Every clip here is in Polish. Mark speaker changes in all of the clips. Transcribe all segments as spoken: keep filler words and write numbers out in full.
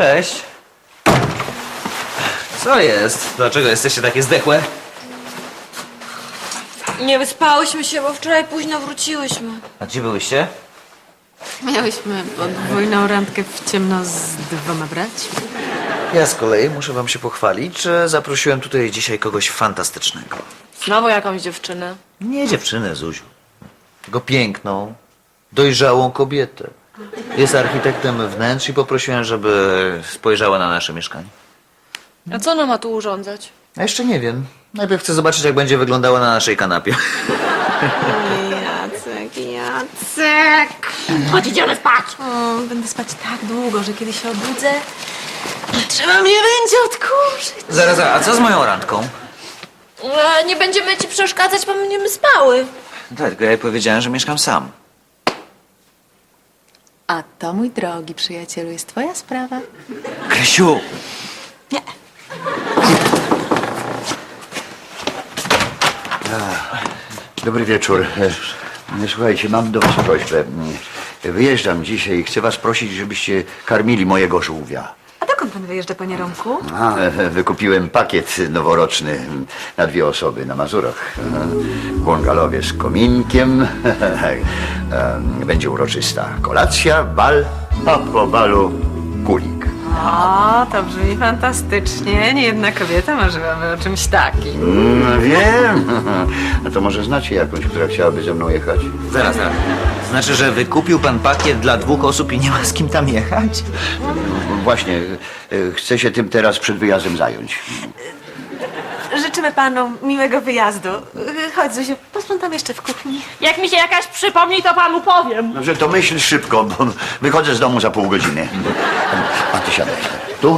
Speaker 1: Cześć. Co jest? Dlaczego jesteście takie zdechłe?
Speaker 2: Nie wyspałyśmy się, bo wczoraj późno wróciłyśmy.
Speaker 1: A gdzie byłyście?
Speaker 3: Miałyśmy podwójną randkę w ciemno z dwoma braćmi.
Speaker 1: Ja z kolei muszę wam się pochwalić, że zaprosiłem tutaj dzisiaj kogoś fantastycznego.
Speaker 2: Znowu jakąś dziewczynę.
Speaker 1: Nie dziewczynę, Zuziu. Tylko piękną, dojrzałą kobietę. Jest architektem wnętrz i poprosiłem, żeby spojrzała na nasze mieszkanie.
Speaker 2: A co ona ma tu urządzać?
Speaker 1: A jeszcze nie wiem. Najpierw chcę zobaczyć, jak będzie wyglądała na naszej kanapie.
Speaker 3: Jacek, Jacek!
Speaker 2: Chodź, idziemy spać!
Speaker 3: O, będę spać tak długo, że kiedy się obudzę, trzeba mnie będzie odkurzyć.
Speaker 1: Zaraz, zaraz, a co z moją randką?
Speaker 2: E, nie będziemy ci przeszkadzać, bo będziemy spały.
Speaker 1: Tak, tylko ja jej powiedziałem, że mieszkam sam.
Speaker 3: A to, mój drogi przyjacielu, jest twoja sprawa.
Speaker 1: Krysiu!
Speaker 3: Nie.
Speaker 4: Dobry wieczór. E, Słuchajcie, mam do was prośbę. Wyjeżdżam dzisiaj i chcę was prosić, żebyście karmili mojego żółwia.
Speaker 3: A dokąd pan wyjeżdża, panie Romku?
Speaker 4: A, e, wykupiłem pakiet noworoczny na dwie osoby na Mazurach. E, W bungalowie z kominkiem. E, Będzie uroczysta kolacja, bal, a po balu kulik.
Speaker 3: O, to brzmi fantastycznie. Niejedna kobieta marzyłaby o czymś takim.
Speaker 4: Mm, wiem. A to może znacie jakąś, która chciałaby ze mną jechać?
Speaker 1: Zaraz, zaraz. Znaczy, że wykupił pan pakiet dla dwóch osób i nie ma z kim tam jechać?
Speaker 4: Właśnie, e, chcę się tym teraz przed wyjazdem zająć.
Speaker 3: Życzymy panu miłego wyjazdu. Chodź, Zuziu, posprzątam jeszcze w kuchni.
Speaker 2: Jak mi się jakaś przypomni, to panu powiem.
Speaker 4: Dobrze, to myśl szybko, bo wychodzę z domu za pół godziny. A ty siadaj. Tu?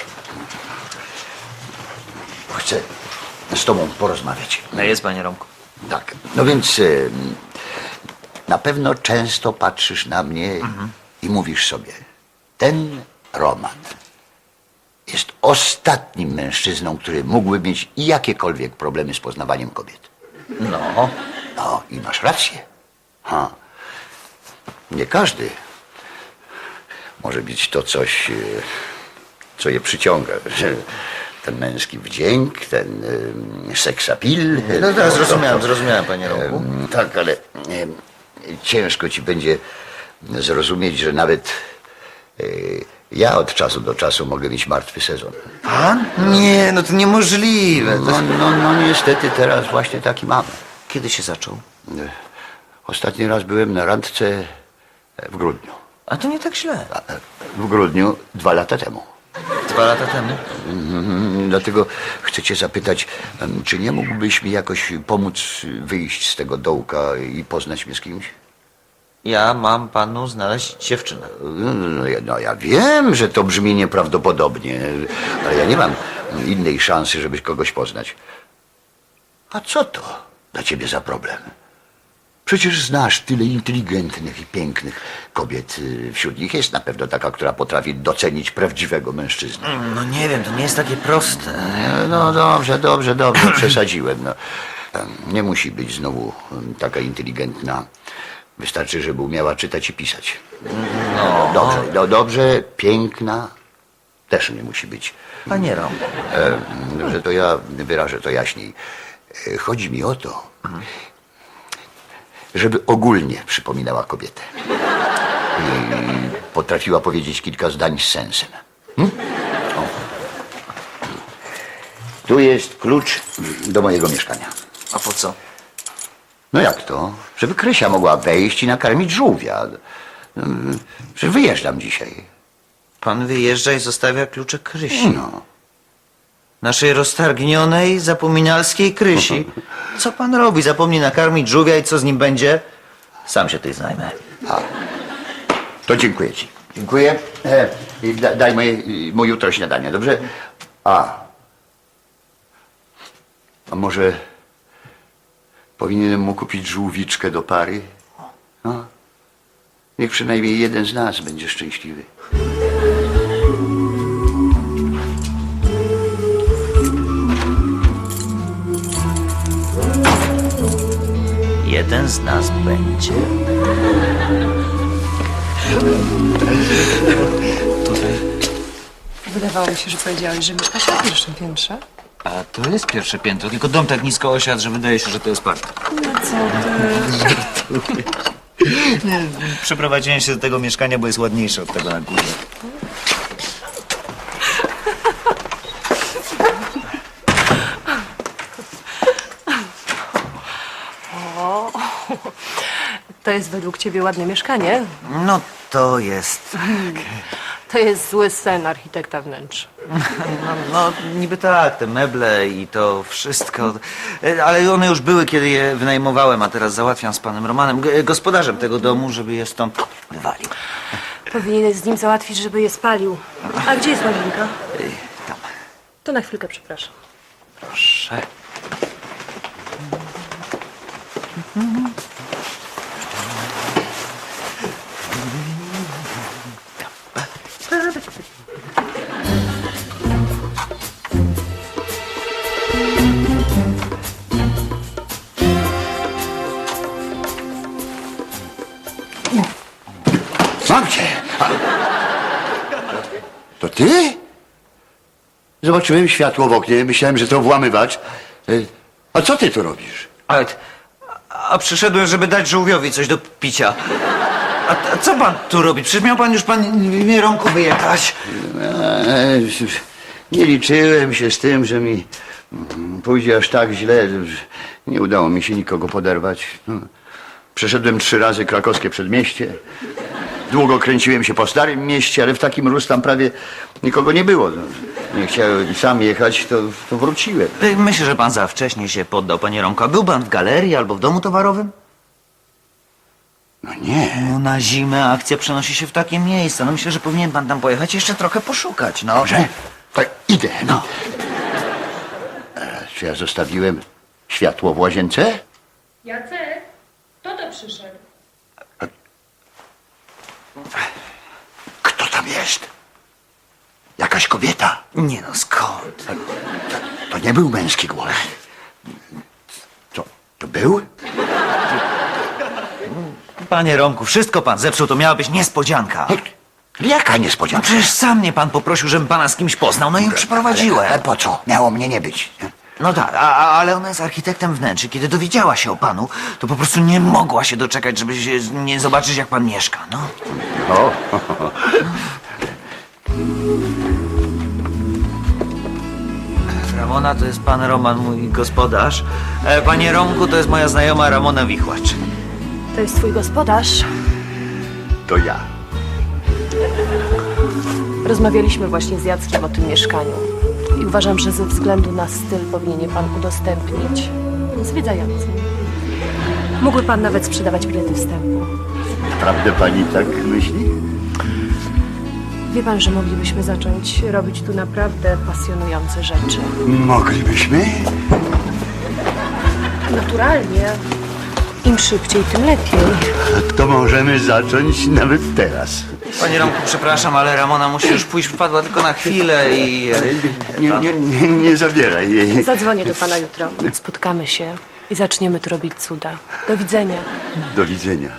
Speaker 4: Chcę z tobą porozmawiać.
Speaker 1: No jest, panie Romku.
Speaker 4: Tak. No więc y, na pewno często patrzysz na mnie i mówisz sobie, ten Roman jest ostatnim mężczyzną, który mógłby mieć jakiekolwiek problemy z poznawaniem kobiet.
Speaker 1: No.
Speaker 4: No i masz rację. Ha. Nie każdy może być to coś, e, co je przyciąga. Ten męski wdzięk, ten e, seksapil.
Speaker 1: No teraz zrozumiałem, zrozumiałem, panie Romku.
Speaker 4: E, Tak, ale e, ciężko ci będzie zrozumieć, że nawet e, ja od czasu do czasu mogę mieć martwy sezon.
Speaker 1: Pan? Nie, no to niemożliwe.
Speaker 4: No, no, no niestety teraz właśnie taki mam.
Speaker 1: Kiedy się zaczął?
Speaker 4: Ostatni raz byłem na randce w grudniu.
Speaker 1: A to nie tak źle.
Speaker 4: W grudniu dwa lata temu.
Speaker 1: Dwa lata temu.
Speaker 4: Mhm, Dlatego chcę cię zapytać, em, czy nie mógłbyś mi jakoś pomóc wyjść z tego dołka i poznać mnie z kimś?
Speaker 1: Ja mam panu znaleźć dziewczynę.
Speaker 4: No, no, ja- no ja wiem, że to brzmi nieprawdopodobnie, ale ja nie mam innej szansy, żeby kogoś poznać. A co to dla ciebie za problem? Przecież znasz tyle inteligentnych i pięknych kobiet. Wśród nich jest na pewno taka, która potrafi docenić prawdziwego mężczyznę.
Speaker 1: No nie wiem, to nie jest takie proste.
Speaker 4: No dobrze, dobrze, dobrze, przesadziłem. No. Nie musi być znowu taka inteligentna. Wystarczy, żeby umiała czytać i pisać.
Speaker 1: No.
Speaker 4: Dobrze, no dobrze, piękna też nie musi być.
Speaker 1: Panie Romku.
Speaker 4: E, Dobrze, to ja wyrażę to jaśniej. E, Chodzi mi o to, żeby ogólnie przypominała kobietę. I potrafiła powiedzieć kilka zdań z sensem. Hm? O. Tu jest klucz do mojego mieszkania.
Speaker 1: A po co?
Speaker 4: No jak to? Żeby Krysia mogła wejść i nakarmić żółwia. Mm, Przecież wyjeżdżam dzisiaj.
Speaker 1: Pan wyjeżdża i zostawia klucze Krysi.
Speaker 4: No.
Speaker 1: Naszej roztargnionej, zapominalskiej Krysi. Co pan robi? Zapomni nakarmić żółwia i co z nim będzie? Sam się tej zajmę.
Speaker 4: A. To dziękuję ci. Dziękuję. E, i da, daj moje, i moje jutro śniadanie, dobrze? A. A może powinienem mu kupić żółwiczkę do pary? No. Niech przynajmniej jeden z nas będzie szczęśliwy.
Speaker 1: Jeden z nas będzie. Tutaj.
Speaker 5: Wydawało mi się, że powiedziałeś, że mieszkasz na pierwszym piętrze.
Speaker 1: A to jest pierwsze piętro, tylko dom tak nisko osiadł, że wydaje się, że to jest park.
Speaker 5: No co ty?
Speaker 1: Przeprowadziłem się do tego mieszkania, bo jest ładniejsze od tego na górze.
Speaker 5: To jest według ciebie ładne mieszkanie?
Speaker 1: No to jest...
Speaker 5: To jest zły sen architekta wnętrz.
Speaker 1: No, no niby tak, te meble i to wszystko. E, Ale one już były, kiedy je wynajmowałem, a teraz załatwiam z panem Romanem, g- gospodarzem tego domu, żeby je stąd wywalił.
Speaker 5: Powinieneś z nim załatwić, żeby je spalił. A gdzie jest łazienka?
Speaker 1: Ej, Tam,
Speaker 5: To na chwilkę, przepraszam.
Speaker 1: proszę.
Speaker 4: Mam cię! A... To ty? Zobaczyłem światło w oknie, myślałem, że to włamywacz. Y, A co ty tu robisz?
Speaker 1: Ale, a przyszedłem, żeby dać żółwiowi coś do picia. A, a co pan tu robi? Przecież miał pan już pan w imię Romku wyjechać.
Speaker 4: E, Nie liczyłem się z tym, że mi mm, pójdzie aż tak źle. że Nie udało mi się nikogo poderwać. No, Przeszedłem trzy razy krakowskie przedmieście. Długo kręciłem się po Starym Mieście, ale w takim rusz tam prawie nikogo nie było. No, Nie chciałem sam jechać, to, to wróciłem.
Speaker 1: Ej, Myślę, że pan za wcześnie się poddał, panie Romku. A był pan w galerii albo w domu towarowym?
Speaker 4: No nie.
Speaker 1: No na zimę akcja przenosi się w takie miejsca. No myślę, że powinien pan tam pojechać i jeszcze trochę poszukać, no.
Speaker 4: Dobrze? Tak, idę. No. E, Czy ja zostawiłem światło w łazience?
Speaker 6: Jacek, kto to przyszedł?
Speaker 4: Kto tam jest? Jakaś kobieta.
Speaker 1: Nie no, skąd?
Speaker 4: To nie był męski głos. Co? To był?
Speaker 1: Panie Romku, wszystko pan zepsuł, to miała być niespodzianka.
Speaker 4: Jaka
Speaker 1: No
Speaker 4: niespodzianka?
Speaker 1: przecież sam mnie pan poprosił, żebym pana z kimś poznał, no i ją przyprowadziłem.
Speaker 4: Ale po co? Miało mnie nie być.
Speaker 1: No tak, a, a, ale ona jest architektem wnętrz i kiedy dowiedziała się o panu, to po prostu nie mogła się doczekać, żeby się, nie zobaczyć, jak pan mieszka, no.
Speaker 4: O.
Speaker 1: Ramona to jest pan Roman, mój gospodarz. E, Panie Romku, to jest moja znajoma Ramona Wichłacz.
Speaker 5: To jest twój gospodarz.
Speaker 4: To ja.
Speaker 5: Rozmawialiśmy właśnie z Jackiem o tym mieszkaniu. I uważam, że ze względu na styl powinien je pan udostępnić zwiedzającym. Mógłby pan nawet sprzedawać bilety wstępu.
Speaker 4: Naprawdę pani tak myśli?
Speaker 5: Wie pan, że moglibyśmy zacząć robić tu naprawdę pasjonujące rzeczy.
Speaker 4: Moglibyśmy?
Speaker 5: Naturalnie. Im szybciej, tym lepiej.
Speaker 4: To możemy zacząć nawet teraz.
Speaker 1: Panie Romku, przepraszam, ale Ramona musi już pójść, wpadła tylko na chwilę i...
Speaker 4: Nie, nie, nie, nie zabieraj jej.
Speaker 5: Zadzwonię do pana jutro. Spotkamy się i zaczniemy tu robić cuda. Do widzenia.
Speaker 4: Do widzenia.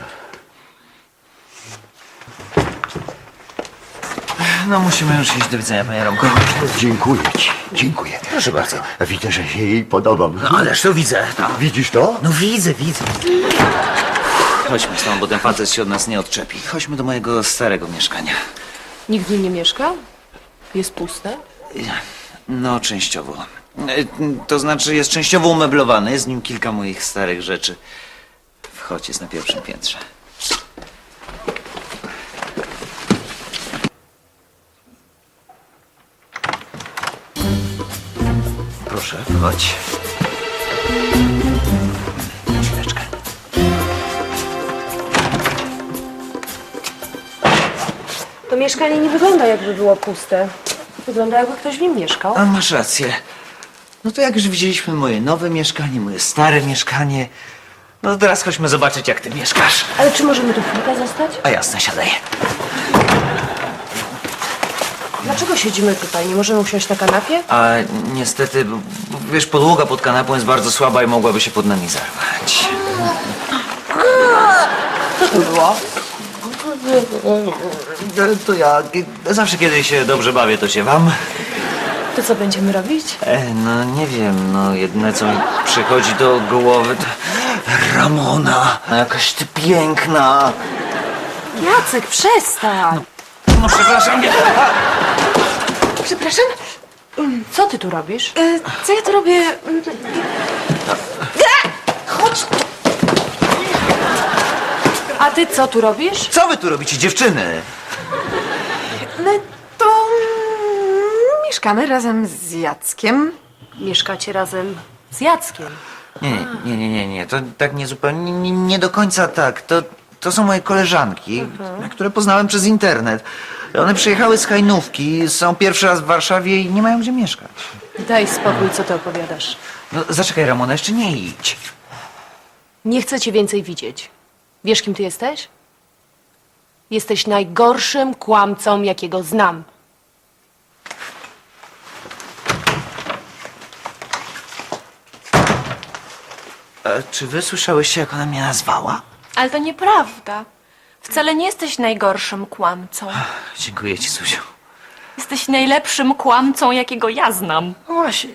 Speaker 1: No musimy już iść, do widzenia, panie Romku.
Speaker 4: Dziękuję ci. Dziękuję.
Speaker 1: Proszę bardzo.
Speaker 4: Widzę, że się jej podobam.
Speaker 1: No ależ to widzę. No,
Speaker 4: Widzisz to?
Speaker 1: no widzę, widzę. Chodźmy stąd, bo ten facet się od nas nie odczepi. Chodźmy do mojego starego mieszkania.
Speaker 5: Nikt w nim nie mieszka? Jest puste?
Speaker 1: No, częściowo. E, To znaczy jest częściowo umeblowany, jest w nim kilka moich starych rzeczy. Wchodź, jest na pierwszym piętrze. Proszę, wchodź. Chwileczkę.
Speaker 5: To mieszkanie nie wygląda, jakby było puste. Wygląda, jakby ktoś w nim mieszkał.
Speaker 1: A masz rację. No to jak już widzieliśmy moje nowe mieszkanie, moje stare mieszkanie, no to teraz chodźmy zobaczyć, jak ty mieszkasz.
Speaker 5: Ale czy możemy tu chwilkę zostać?
Speaker 1: A jasne, siadaj.
Speaker 5: Dlaczego siedzimy tutaj? Nie możemy usiąść na kanapie?
Speaker 1: A niestety, bo- bo wiesz, podłoga pod kanapą jest bardzo słaba i mogłaby się pod nami zarwać.
Speaker 5: Co to było?
Speaker 1: To ja zawsze, kiedy się dobrze bawię, to się wam.
Speaker 5: To co będziemy robić?
Speaker 1: E, no nie wiem, no jedyne co mi przychodzi do głowy to Ramona. Jakaś ty piękna.
Speaker 3: Jacek, przestań!
Speaker 1: No przepraszam, nie.
Speaker 3: Przepraszam?
Speaker 5: Co ty tu robisz?
Speaker 3: E, co ja tu robię? Mm, Chodź!
Speaker 5: A ty co tu robisz?
Speaker 1: Co wy tu robicie, dziewczyny?
Speaker 3: My to mm, mieszkamy razem z Jackiem.
Speaker 5: Mieszkacie razem z Jackiem.
Speaker 1: Nie, nie, nie, nie, nie, to tak nie zupełnie, nie, nie do końca tak. To, to są moje koleżanki, które poznałem przez internet. One przyjechały z Hajnówki, są pierwszy raz w Warszawie i nie mają gdzie mieszkać.
Speaker 5: Daj spokój, co ty opowiadasz.
Speaker 1: No zaczekaj, Ramona, jeszcze nie idź.
Speaker 5: Nie chcę cię więcej widzieć. Wiesz, kim ty jesteś? Jesteś najgorszym kłamcą, jakiego znam.
Speaker 1: E, czy wy słyszałyście, jak ona mnie nazwała?
Speaker 2: Ale to nieprawda. Wcale nie jesteś najgorszym kłamcą.
Speaker 1: Dziękuję ci, Zuziu.
Speaker 2: Jesteś najlepszym kłamcą, jakiego ja znam.
Speaker 1: No właśnie.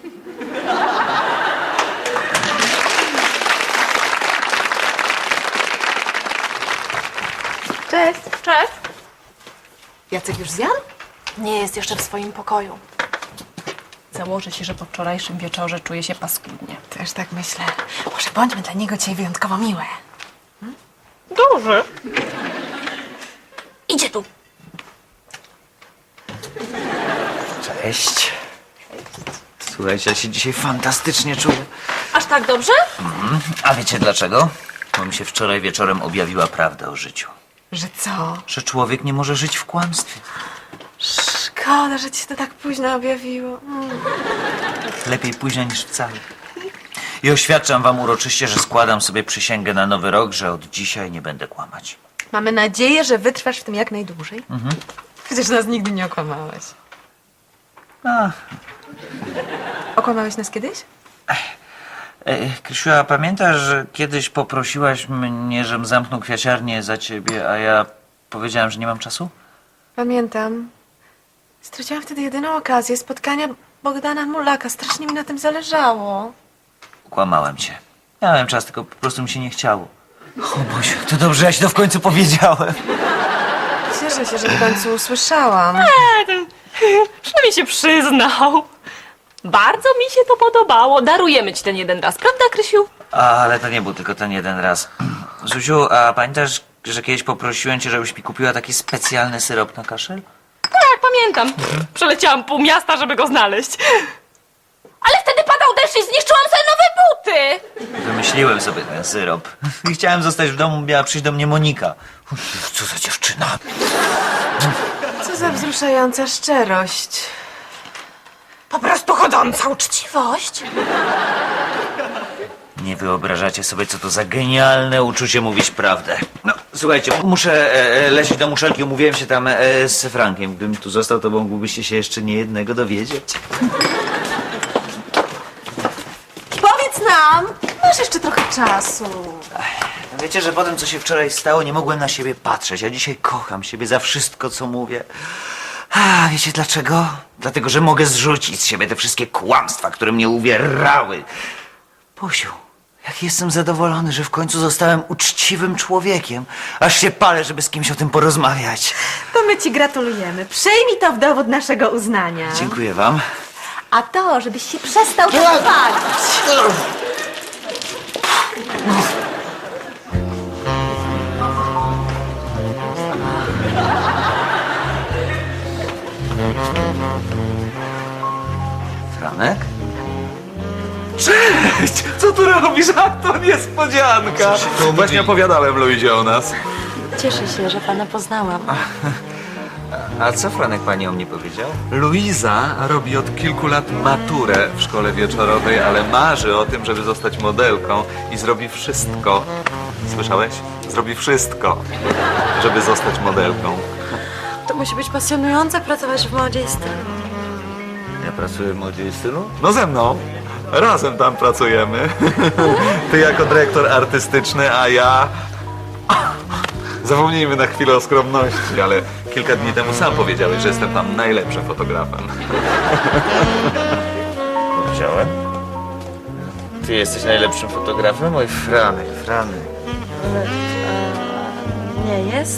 Speaker 3: Cześć.
Speaker 2: Cześć.
Speaker 3: Jacek już zjadł?
Speaker 2: Nie jest jeszcze w swoim pokoju.
Speaker 7: Założę się, że po wczorajszym wieczorze czuje się paskudnie.
Speaker 3: Też tak myślę. Może bądźmy dla niego dzisiaj wyjątkowo miłe.
Speaker 2: Duży. Idzie tu.
Speaker 1: Cześć. Słuchajcie, ja się dzisiaj fantastycznie czuję.
Speaker 2: Aż tak dobrze?
Speaker 1: A wiecie dlaczego? Bo mi się wczoraj wieczorem objawiła prawda o życiu.
Speaker 3: Że co?
Speaker 1: Że człowiek nie może żyć w kłamstwie.
Speaker 3: Szkoda, że ci się to tak późno objawiło. Mm.
Speaker 1: Lepiej późno niż wcale. I oświadczam wam uroczyście, że składam sobie przysięgę na nowy rok, że od dzisiaj nie będę kłamać.
Speaker 3: Mamy nadzieję, że wytrwasz w tym jak najdłużej. Mhm. Przecież nas nigdy nie okłamałeś.
Speaker 1: A,
Speaker 3: Okłamałeś nas kiedyś?
Speaker 1: e, Krysiu, a pamiętasz, że kiedyś poprosiłaś mnie, żebym zamknął kwiaciarnię za ciebie, a ja powiedziałem, że nie mam czasu?
Speaker 3: Pamiętam. Straciłam wtedy jedyną okazję spotkania Bogdana Mulaka. Strasznie mi na tym zależało.
Speaker 1: Kłamałem cię. Miałem czas, tylko po prostu mi się nie chciało. O Boziu, to dobrze, ja ci to w końcu powiedziałem.
Speaker 3: Cieszę się, że w końcu usłyszałam.
Speaker 2: Przynajmniej się przyznał. Bardzo mi się to podobało. Darujemy ci ten jeden raz, prawda, Krysiu?
Speaker 1: Ale to nie był tylko ten jeden raz. Zuziu, a pamiętasz, że kiedyś poprosiłem cię, żebyś mi kupiła taki specjalny syrop na kaszel?
Speaker 2: Tak, pamiętam. Przeleciałam pół miasta, żeby go znaleźć. Ale wtedy padał deszcz i zniszczyłam sobie nowe buty.
Speaker 1: Wymyśliłem sobie ten syrop. I chciałem zostać w domu, miała przyjść do mnie Monika. Uff, co za dziewczyna.
Speaker 3: Co za wzruszająca szczerość.
Speaker 2: Po prostu chodząca uczciwość.
Speaker 1: Nie wyobrażacie sobie, co to za genialne uczucie mówić prawdę. No, słuchajcie, muszę e, e, lecieć do muszelki. Umówiłem się tam e, z Frankiem. Gdybym tu został, to mógłbyście się jeszcze nie jednego dowiedzieć.
Speaker 3: Powiedz nam! Masz jeszcze trochę czasu.
Speaker 1: Wiecie, że po tym, co się wczoraj stało, nie mogłem na siebie patrzeć. Ja dzisiaj kocham siebie za wszystko, co mówię. A wiecie dlaczego? Dlatego, że mogę zrzucić z siebie te wszystkie kłamstwa, które mnie uwierały. Posiu, jak jestem zadowolony, że w końcu zostałem uczciwym człowiekiem. Aż się palę, żeby z kimś o tym porozmawiać.
Speaker 3: To my ci gratulujemy. Przyjmij to w dowód naszego uznania.
Speaker 1: Dziękuję wam.
Speaker 3: A to, żebyś się przestał tak palić.
Speaker 1: Franek?
Speaker 8: Cześć! Co tu robisz? A to niespodzianka! No właśnie opowiadałem Luizie o nas.
Speaker 5: Cieszę się, że pana poznałam.
Speaker 1: A co Franek pani o mnie powiedział?
Speaker 8: Luiza robi od kilku lat maturę w szkole wieczorowej, ale marzy o tym, żeby zostać modelką i zrobi wszystko. Słyszałeś? Zrobi wszystko, żeby zostać modelką.
Speaker 5: To musi być pasjonujące pracować w modzie i stylu.
Speaker 1: Ja pracuję w modzie i stylu?
Speaker 8: No ze mną. Razem tam pracujemy. Ty jako dyrektor artystyczny, a ja Zapomnijmy na chwilę o skromności, ale kilka dni temu sam powiedziałeś, że jestem tam najlepszym fotografem.
Speaker 1: Powiedziałem? Ty jesteś najlepszym fotografem? Oj, Franek, Franek.
Speaker 5: Nie jest?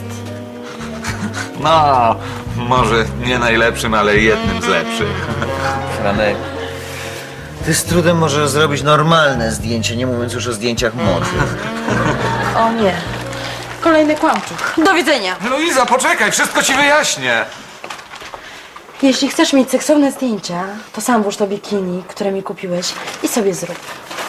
Speaker 8: No, może nie najlepszym, ale jednym z lepszych.
Speaker 1: Franek, ty z trudem możesz zrobić normalne zdjęcie, nie mówiąc już o zdjęciach mody.
Speaker 5: O nie. Kolejny kłamczuch.
Speaker 2: Do widzenia.
Speaker 8: Luiza, poczekaj, wszystko ci wyjaśnię.
Speaker 5: Jeśli chcesz mieć seksowne zdjęcia, to sam włóż to bikini, które mi kupiłeś i sobie zrób.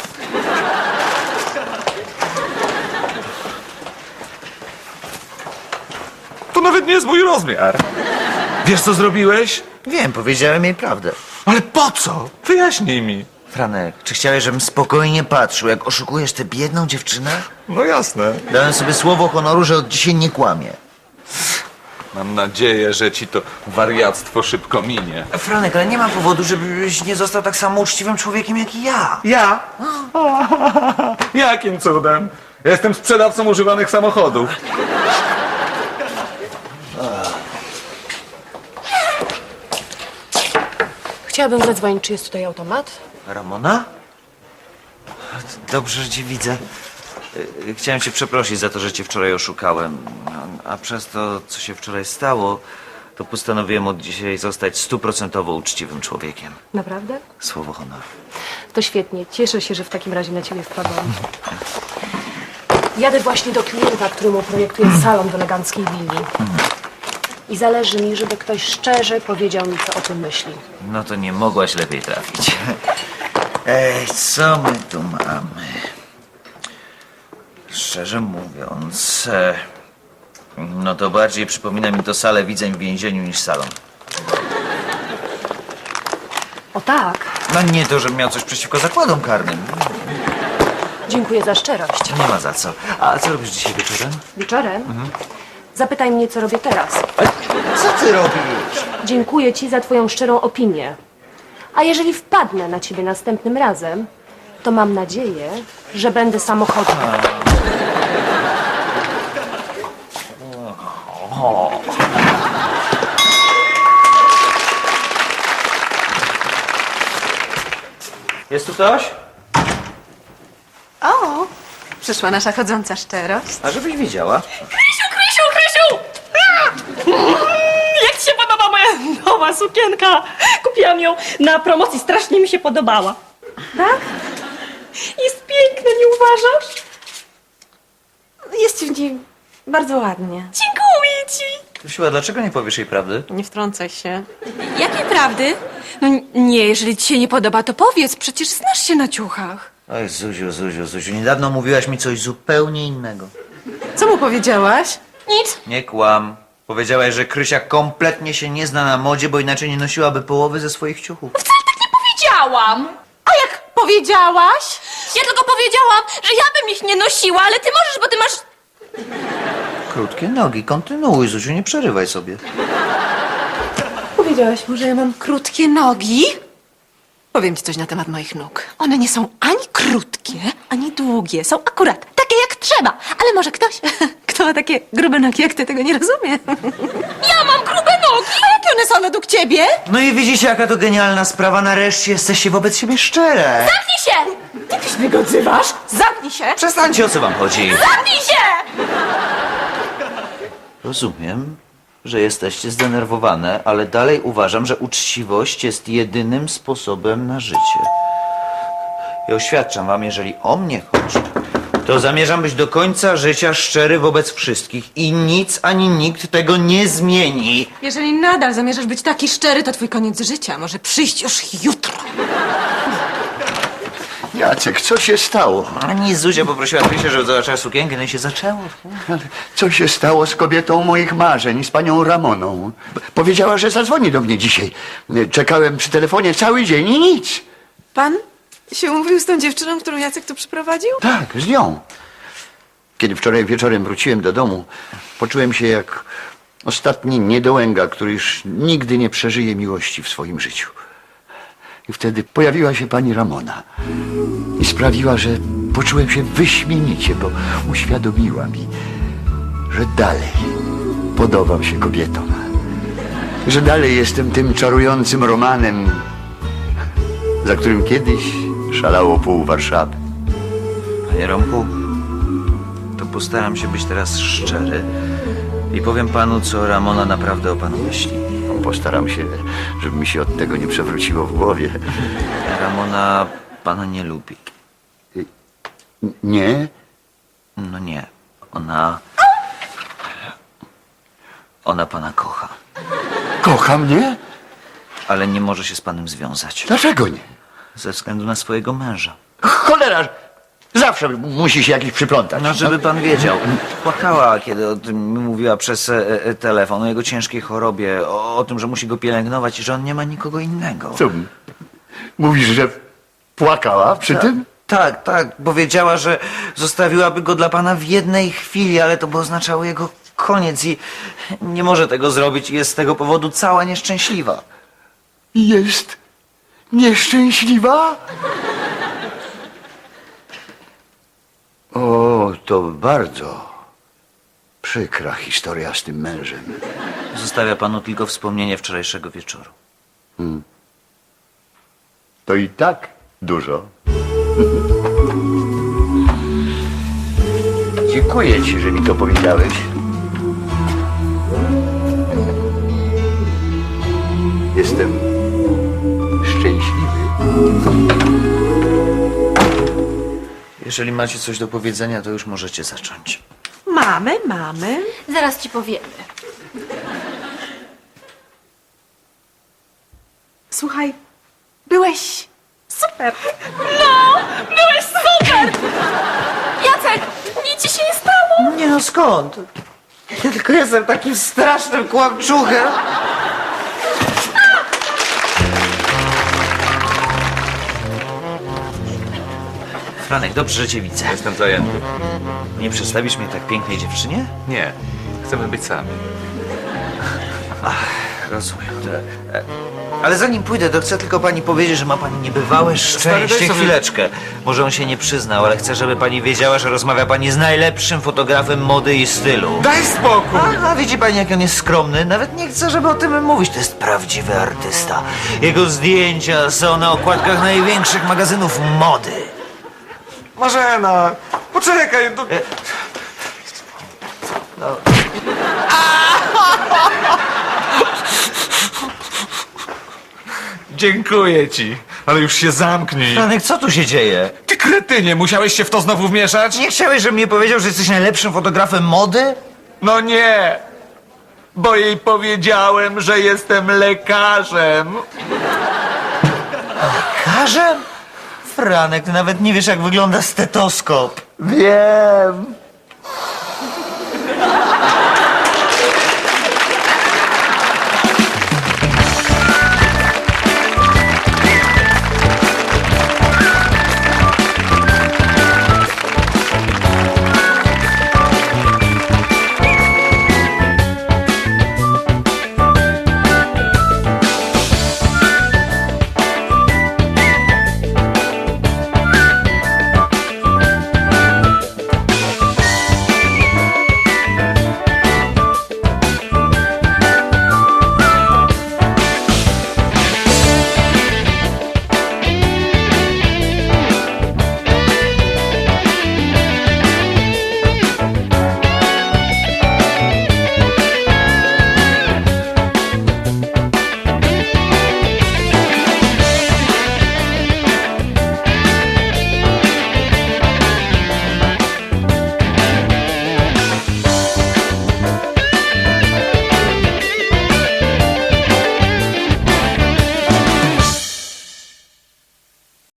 Speaker 8: To nawet nie jest mój rozmiar. Wiesz, co zrobiłeś?
Speaker 1: Wiem, powiedziałem jej prawdę.
Speaker 8: Ale po co? Wyjaśnij mi.
Speaker 1: Franek, czy chciałeś, żebym spokojnie patrzył, jak oszukujesz tę biedną dziewczynę?
Speaker 8: No jasne.
Speaker 1: Dałem sobie słowo honoru, że od dzisiaj nie kłamię.
Speaker 8: Mam nadzieję, że ci to wariactwo szybko minie.
Speaker 1: Franek, ale nie ma powodu, żebyś nie został tak samo uczciwym człowiekiem jak i ja.
Speaker 8: Ja? Jakim cudem? Ja jestem sprzedawcą używanych samochodów.
Speaker 5: Chciałabym zadzwonić, czy jest tutaj automat?
Speaker 1: Ramona? Dobrze, że cię widzę. Y, Chciałem cię przeprosić za to, że cię wczoraj oszukałem. A, a przez to, co się wczoraj stało, to postanowiłem od dzisiaj zostać stuprocentowo uczciwym człowiekiem.
Speaker 5: Naprawdę?
Speaker 1: Słowo honoru.
Speaker 5: To świetnie. Cieszę się, że w takim razie na ciebie wpadłam. Jadę właśnie do klienta, któremu projektuję salon w eleganckiej willi. I zależy mi, żeby ktoś szczerze powiedział mi, co o tym myśli.
Speaker 1: No to nie mogłaś lepiej trafić. Ej, co my tu mamy? Szczerze mówiąc, e, no to bardziej przypomina mi to salę widzeń w więzieniu niż salon.
Speaker 5: O tak.
Speaker 1: No nie to, żebym miał coś przeciwko zakładom karnym.
Speaker 5: Dziękuję za szczerość.
Speaker 1: Nie ma za co. A co robisz dzisiaj wieczorem?
Speaker 5: Wieczorem? Zapytaj mnie, co robię teraz.
Speaker 1: Co ty robisz?
Speaker 5: Dziękuję ci za twoją szczerą opinię. A jeżeli wpadnę na ciebie następnym razem, to mam nadzieję, że będę samochodem.
Speaker 1: Jest tu ktoś?
Speaker 3: O, przyszła nasza chodząca szczerość.
Speaker 1: A żebyś wiedziała.
Speaker 2: Krysiu, Krysiu, Krysiu! A! Jak ci się podoba moja nowa sukienka? Kupiłam ją na promocji, strasznie mi się podobała.
Speaker 3: Tak?
Speaker 2: Jest piękna, nie uważasz?
Speaker 3: Jest w niej bardzo ładnie.
Speaker 2: Dziękuję ci.
Speaker 1: Krysiu, a dlaczego nie powiesz jej prawdy?
Speaker 3: Nie wtrącaj się.
Speaker 7: Jakiej prawdy? No nie, jeżeli ci się nie podoba, to powiedz, przecież znasz się na ciuchach.
Speaker 1: Oj, Zuziu, Zuziu, Zuziu, niedawno mówiłaś mi coś zupełnie innego.
Speaker 3: Co mu powiedziałaś?
Speaker 2: Nic.
Speaker 1: Nie kłam. Powiedziałaś, że Krysia kompletnie się nie zna na modzie, bo inaczej nie nosiłaby połowy ze swoich ciuchów.
Speaker 2: Wcale tak nie powiedziałam.
Speaker 3: A jak powiedziałaś?
Speaker 2: Ja tylko powiedziałam, że ja bym ich nie nosiła, ale ty możesz, bo ty masz...
Speaker 1: Krótkie nogi, kontynuuj, Zuziu, nie przerywaj sobie.
Speaker 3: Powiedziałaś mu, że ja mam krótkie nogi? Powiem ci coś na temat moich nóg. One nie są ani krótkie, ani długie. Są akurat takie jak trzeba. Ale może ktoś, kto ma takie grube nogi jak ty, tego nie rozumie.
Speaker 2: Ja mam grube nogi.
Speaker 3: A jakie one są według ciebie?
Speaker 1: No i widzicie, jaka to genialna sprawa. Nareszcie jesteście wobec siebie szczere.
Speaker 2: Zamknij się!
Speaker 3: Ty też mnie go odzywasz? Zamknij się!
Speaker 1: Przestańcie, o co wam chodzi.
Speaker 2: Zamknij się!
Speaker 1: Rozumiem, że jesteście zdenerwowane, ale dalej uważam, że uczciwość jest jedynym sposobem na życie. I oświadczam wam, jeżeli o mnie chodzi, to zamierzam być do końca życia szczery wobec wszystkich i nic ani nikt tego nie zmieni.
Speaker 3: Jeżeli nadal zamierzasz być taki szczery, to twój koniec życia może przyjść już jutro.
Speaker 4: Jacek, co się stało?
Speaker 1: Ani Zuzia poprosiła Krysię, żeby zobaczyła sukienkę, no i się zaczęło.
Speaker 4: Ale co się stało z kobietą moich marzeń, z panią Ramoną? Powiedziała, że zadzwoni do mnie dzisiaj. Czekałem przy telefonie cały dzień i nic.
Speaker 3: Pan się umówił z tą dziewczyną, którą Jacek tu przyprowadził?
Speaker 4: Tak, z nią. Kiedy wczoraj wieczorem wróciłem do domu, poczułem się jak ostatni niedołęga, który już nigdy nie przeżyje miłości w swoim życiu. I wtedy pojawiła się pani Ramona i sprawiła, że poczułem się wyśmienicie, bo uświadomiła mi, że dalej podobam się kobietom. Że dalej jestem tym czarującym Romanem, za którym kiedyś szalało pół Warszawy.
Speaker 1: Panie Romku, to postaram się być teraz szczery i powiem panu, co Ramona naprawdę o panu myśli.
Speaker 4: Postaram się, żeby mi się od tego nie przewróciło w głowie.
Speaker 1: Ramona pana nie lubi.
Speaker 4: Nie?
Speaker 1: No nie. Ona... Ona pana kocha,
Speaker 4: Kocha mnie?
Speaker 1: ale nie może się z panem związać.
Speaker 4: Dlaczego nie?
Speaker 1: Ze względu na swojego męża.
Speaker 4: Cholera! Zawsze musi się jakiś przyplątać.
Speaker 1: No, żeby pan wiedział. Płakała, kiedy o tym mi mówiła przez e, e, telefon, o jego ciężkiej chorobie, o, o tym, że musi go pielęgnować i że on nie ma nikogo innego.
Speaker 4: Co? Mówisz, że płakała przy tym?
Speaker 1: Tak, tak. Powiedziała, że zostawiłaby go dla pana w jednej chwili, ale to by oznaczało jego koniec i nie może tego zrobić i jest z tego powodu cała nieszczęśliwa.
Speaker 4: Jest nieszczęśliwa? O, to bardzo przykra historia z tym mężem.
Speaker 1: Zostawia panu tylko wspomnienie wczorajszego wieczoru.
Speaker 4: To i tak dużo. Dziękuję ci, że mi to powiedziałeś. Jestem szczęśliwy.
Speaker 1: Jeżeli macie coś do powiedzenia, to już możecie zacząć.
Speaker 3: Mamy, mamy.
Speaker 9: Zaraz ci powiemy.
Speaker 3: Słuchaj, byłeś super.
Speaker 2: Byłeś super! Jacek, nic ci się nie stało!
Speaker 1: Nie no, skąd? Ja tylko jestem takim strasznym kłamczuchem. Franek, dobrze, że cię widzę.
Speaker 8: Jestem zajęty.
Speaker 1: Nie przedstawisz mnie tak pięknej dziewczynie?
Speaker 8: Nie, chcemy być sami.
Speaker 1: Rozumiem. E, Ale zanim pójdę, to chcę tylko pani powiedzieć, że ma pani niebywałe
Speaker 8: Stary,
Speaker 1: szczęście.
Speaker 8: daj sobie-
Speaker 1: Chwileczkę. Może on się nie przyznał, ale chcę, żeby pani wiedziała, że rozmawia pani z najlepszym fotografem mody i stylu.
Speaker 8: Daj spokój!
Speaker 1: A, a widzi pani, jak on jest skromny? Nawet nie chcę, żeby o tym mówić. To jest prawdziwy artysta. Jego zdjęcia są na okładkach największych magazynów mody.
Speaker 8: Marzena, poczekaj. To... Dziękuję ci, ale już się zamknij.
Speaker 1: Franek, co tu się dzieje?
Speaker 8: Ty kretynie, musiałeś się w to znowu wmieszać?
Speaker 1: Nie chciałeś, żebym mi powiedział, że jesteś najlepszym fotografem mody?
Speaker 8: No nie, bo jej powiedziałem, że jestem lekarzem.
Speaker 1: Lekarzem? Franek, ty nawet nie wiesz, jak wygląda stetoskop.
Speaker 4: Wiem.